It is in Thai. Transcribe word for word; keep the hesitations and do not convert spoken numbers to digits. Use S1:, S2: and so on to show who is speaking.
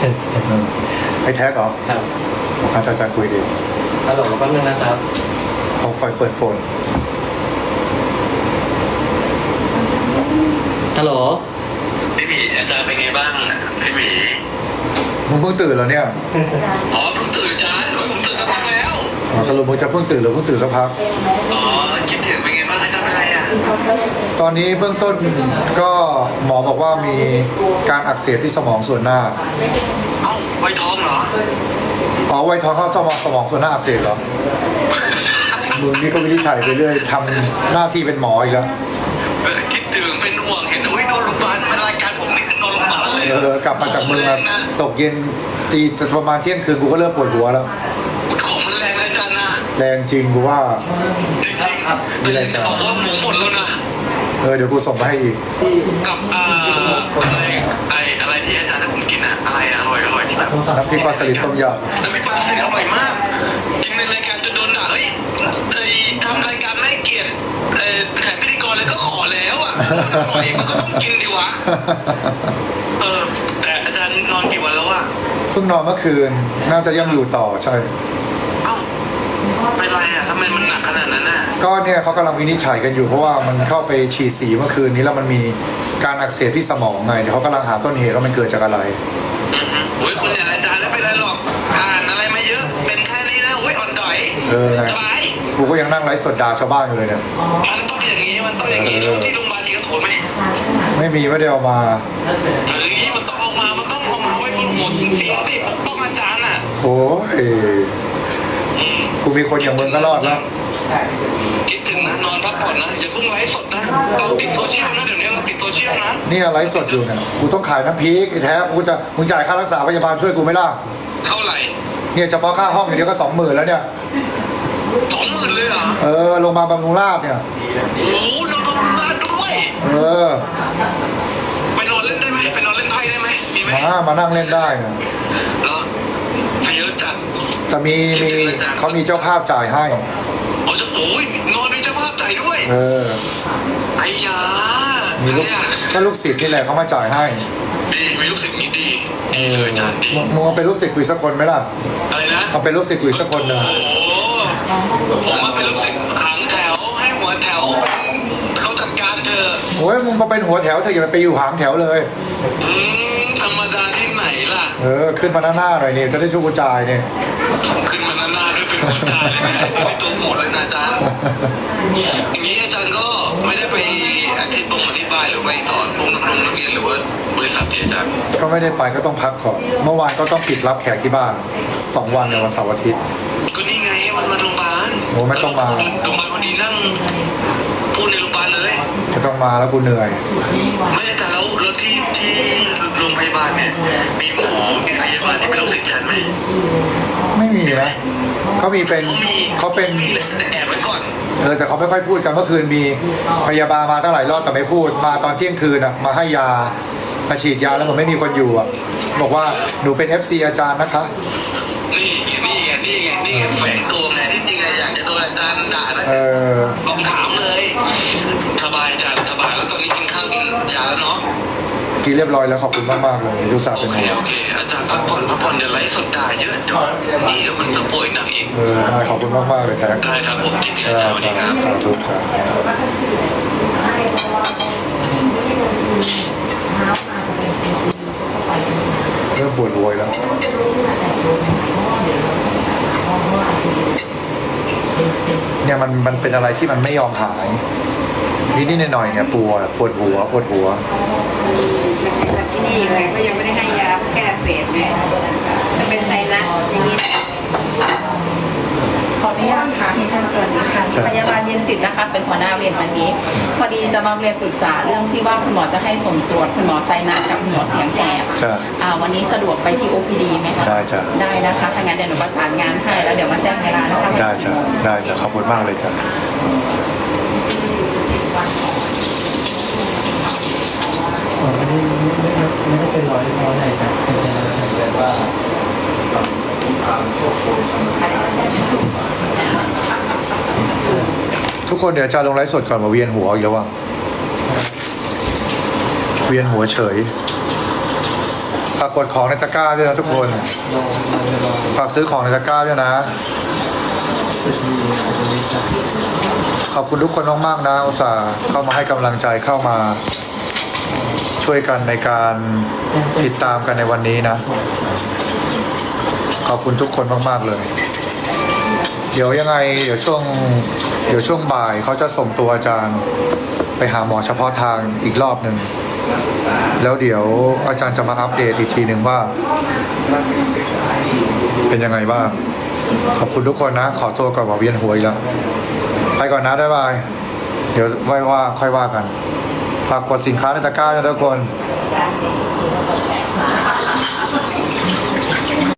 S1: ไอ้แท็กเหรอ
S2: ครับ
S1: อาจารย์อาจารย์คุยเอง
S2: ฮัลโหลแป๊บนึงนะครับ
S1: เขาไฟเปิดโฟน
S2: ฮัลโหล
S3: พี่หมีอาจารย์เป็นไงบ้างพี่หมี
S1: มึงเพิ่งตื่นแล้วเนี่ย
S3: อ๋อเพิ่งตื่นอาจารย์โอ้ยผมตื่นสักพักแล้ว
S1: อ๋อสรุปมึงจะเพิ่งตื่นหรือเพิ่งตื่นสักพัก
S3: อ๋อคิดถึงเป็นไงบ้างอาจารย์เป็นไรอ่ะ
S1: ตอนนี้เบื้องต้นก็หมอบอกว่ามีการอักเสบที่สมองส่วนหน้า
S3: เอ้าไวท้องเหรอ
S1: อ๋อไวท์ทองเข้าสมองสมองส่วนหน้าอักเสบเหรอมึงนี่ก็วินิจฉัยไปเรื่อยทำหน้าที่เป็นหมออีกแล้ว
S3: เออคิดถึงเป็นห่วงเห็นอุ้ยนอนโรงพยาบาลเป็นรายการผมนี่คือนอนโรงพยาบาลเลย
S1: เออกลับมาจากเมืองตกเย็นตีประมาณเที่ยงคืนกูก็เริ่มปวดหัวแล้ว
S3: ของมันแรงนะอาจารย์นะ
S1: แรงจริงกูว่า
S3: จริงๆแต่ยังจะบอกว่าหมูหมดแล้วนะ
S1: เออเดี๋ยวกูส่งไปให้อีก
S3: กับอ่าอะไรไออะไรที่อาจารย์ให้ผมกินอะอะไรอะอร่อยอร่อยที่แบบ
S1: น้ำพริกปลาสลิดต้มย
S3: น้ำพริกปลาสลิดอร่อยมากกินในรายการจะโดนด่าเฮ้ยไอ้ทำรายการไม่ให้เกียรติเอ่อแขกพิธีกรเลยก็ขอแล้วอ่ะอร่อยมันก็ต้องกินดีวะ
S1: ำ
S3: เออแต่อาจารย์นอนกี่วันแล้วอะ
S1: เพิ่งนอนเมื่อคืนน่าจะยังอยู่ต่อใช่
S3: เอ้าเป็นไรอะทำไมมันหนักขนาดนั้นน่ะ
S1: ก็เนี่ยเขากำลังวินิจฉัยกันอยู่เพราะว่ามันเข้าไปฉีดสีเมื่อคืนนี้แล้วมันมีการอักเสบที่สมองไงเดี๋ยวเขากำลังหาต้นเหตุว่ามันเกิดจากอะไร
S3: อือฮึโอ้ยคุณอย่างอาจารย์ไม่เป็นไรหรอกอ่านอะไรมาเยอะเป็นแค่นี้นะโอ้ยอ่อนดอย
S1: เออไง
S3: สบาย
S1: กูก็ยังนั่งไลฟ์สดด่าชาวบ้านอยู่เลยเนี่ย
S3: มันต้องอย่างนี้มันต้องอย่างนี้แล้วที่โรงพยาบาลมีกระโถนไหม
S1: ไม่มีไม่ได้เอามา
S3: เอออย่างนี้มันต้องเอามามันต้องเอามาไว้บนหัวเตียงสิปกป้องอาจารย์อ่ะ
S1: โอ้ย
S3: อืม
S1: กูมีคนอย่างมึงก็รอดแล้ว
S3: คิดถึงนะนอนพักผ่อนนะอย่าเพิ่งไลฟ์สดนะเราติดโซเชียลนะเดี๋ยวนี้เราติดโซเชียลนะ
S1: เนี่ยไลฟ์สดอยู่เนี่ยกูต้องขายน้ำพริกไอ้แท้กูจะมึงจ่ายค่ารักษาพยาบาลช่วยกูไหมล่ะ
S3: เท่าไหร่
S1: เนี่ยเฉพาะค่าห้องอย่างเดียวก็สองหมื่นแล้วเนี่ย
S3: สองหมื่นเลยเหรอ
S1: เออโรงพยาบาลบำรุงราษฎร์เนี่ย
S3: โอ้โหนอนโรงพยาบาลด้วย
S1: เออ
S3: ไปนอนเล่นได้ไหมไปนอนเล่นไพ่ได้ไหมมีไหม
S1: มามานั่งเล่นได้เนี่ย
S3: เหรอเยอะจัด
S1: แต่มีมีเขามีเจ้าภาพจ่ายให้
S3: อ๋อจะโอ้ยนอนมีเจ้าภาพจ่ายด้วย
S1: เออ
S3: ไอ้ยา
S1: มีลูก
S3: อะไรอะ
S1: ก็ลูกศิษย์นี่แหละเขามาจ่ายให้
S3: ดีมีลูกศิษย์มีดี
S1: เอ
S3: ดี
S1: อ
S3: เลยอาจารย์ดี
S1: มึงมึงเอาเป็นลูกศิษย์กูอีกสักคนไหมล่ะ
S3: อะไรนะ
S1: เอาเป็นลูกศิษย์กูอีกสักคนหนึ่ง
S3: โอ้โหผมมาเป็นลูกศิษย์หางแถวให้หัวแถวเขาจัดการเธอะ
S1: โอ้ยมึงมาเป็นหัวแถวเธออย่าไปอยู่หางแถวเลย
S3: อืมธรรมดาที่ไหนล่ะ
S1: เออขึ้นมาหน้าหน้าหน่อยนี่จะได้ช่วยกูจ่ายเนี่ย
S3: ขึ้นมาหน้าๆด้วยเป็นหัวใจเลยนะเป็นตัวหมดเลยนะอาจารย์อย่างนี้อาจารย์ก็ไม่ได้ไปอธิบงอธิบายหรือไปสอนพวกน้องๆนักเรียนหรือว่าบริษัทที่อาจารย์
S1: ก็ไม่ได้ไปก็ต้องพักก่อนเมื่อวานก็ต้องปิดรับแขกที่บ้านสองวันในวันเสาร์อาทิตย์
S3: ก็นี่ไงมันมาโรงพยาบาล
S1: โอ้ไม่ต้องมา
S3: โรงพยาบาลพอดีนั่งพูดในโรงพยาบาลเลย
S1: จะต้องมาแล้วกูเหนื่อย
S3: ไม่แต่แล้วแล้วที่ที่โรงพยาบาลเนี่ยมีหมอมีพยาบาลที่เป็นลูกศิษย์ฉันไหม
S1: ไม่มีนะเขามีเป็น
S3: เขามี
S1: เขาเป็น
S3: แต่แอบไว้ก่อน
S1: เออแต่เขาไม่ค่อยพูดกันเมื่อคืนมีพยาบาลมาตั้งหลายรอบแต่ไม่พูดมาตอนเที่ยงคืนอ่ะมาให้ยามาฉีดยาแล้วผมไม่มีคนอยู่อ่ะบอกว่าหนูเป็น เอฟ ซี อาจารย์นะคะ
S3: นี่นี่ไงนี่ไงนี่ไงแฝงตัวไงที่จริงอะอยากจะโดนอาจารย์ด่านะ
S1: เออ
S3: ลองถามเลยสบายอาจารย์สบายแล้วตอนนี้กินข้าวกินยาแล้วเนาะ
S1: กินเรียบร้อยแล้วขอบคุณมากมากๆเลยทุกสาห์
S3: โอ
S1: เป็น
S3: เค
S1: ห่วง
S3: โอเคอาจารย์พักผ่อนพักผ่อนเดี๋ยวไลฟ์สดด่าเยอะเดี๋ยวนี่เดี๋ยวมันจะป่วยหนักอีก
S1: เออได้ขอบคุณมากมากๆเลยแท็ก
S3: ได้ครับผมยินดี
S1: เอ
S3: อา
S1: อ
S3: จารย์สวัสดีครับ
S1: สาธุสาธุเริ่มปวดหัวอีกแล้วเนี่ยมันมันเป็นอะไรที่มันไม่ยอมหายนิดนิดหน่อยๆเนี่ยปวดปวดหัวปวดหัว
S4: ที่นี่เลยก็ยังไม่ได้ให้ยาแก้อักเสบแม่จะเป็นไซนัสอย่างนี้ขออนุญาตถามที่ท่านเกิดนี้ค่ะพยาบาลเย็นจิตนะคะ เป็นหัวหน้าเวรวันนี้ พอดีจะมาเรียนปรึกษาเรื่องที่ว่าคุณหมอจะให้ส่งตรวจคุณหมอไซนัสกับคุณหมอเสียงแหบ
S1: ใช่
S4: อ่าวันนี้สะดวกไปที่ โอ พี ดี ไหมคะ
S1: ได้จ้ะ
S4: ได้นะคะถ้างั้นเดี๋ยวหนูประสานงานให้แล้วเดี๋ยวมาแจ้งเวลานะคะ
S1: ได้จ้ะได้จ้ะขอบคุณมากเลยจ้ะ
S2: ผมไม่ได้ไม่ได้ไม่ได้เป็นร้อยร้อยไหนครับแต่ว่า
S1: ทุกคนเดี๋ยวอาจะลงไลฟ์สดก่อนมาเวียนหัวอีกแล้วว่ะเวียนหัวเฉย พฝากกดของในตะกร้าด้วยนะทุกคน
S2: ลองมาลอง
S1: ฝากซื้อของในตะกร้าด้วยนะ
S2: จะมีจะมีครับ
S1: ขอบคุณทุกคนมากๆนะอุตส่าห์เข้ามาให้กำลังใจเข้ามา ช่วยกันในการติดตามกันในวันนี้นะ ขอบคุณทุกคนมากๆเลย เดี๋ยวยังไง เดี๋ยวช่วง เดี๋ยวช่วงบ่ายเขาจะส่งตัวอาจารย์ไปหาหมอเฉพาะทางอีกรอบหนึ่ง แล้วเดี๋ยวอาจารย์จะมาอัปเดตอีกทีหนึ่งว่า เป็นยังไงบ้าง ขอบคุณทุกคนนะ ขอตัวก่อนว่าเวียนหัวอีกแล้ว ไปก่อนนะบ๊ายบาย เดี๋ยวไว้ว่าค่อยว่ากัน ฝากกดสินค้าในตะกร้าด้วยทุกคน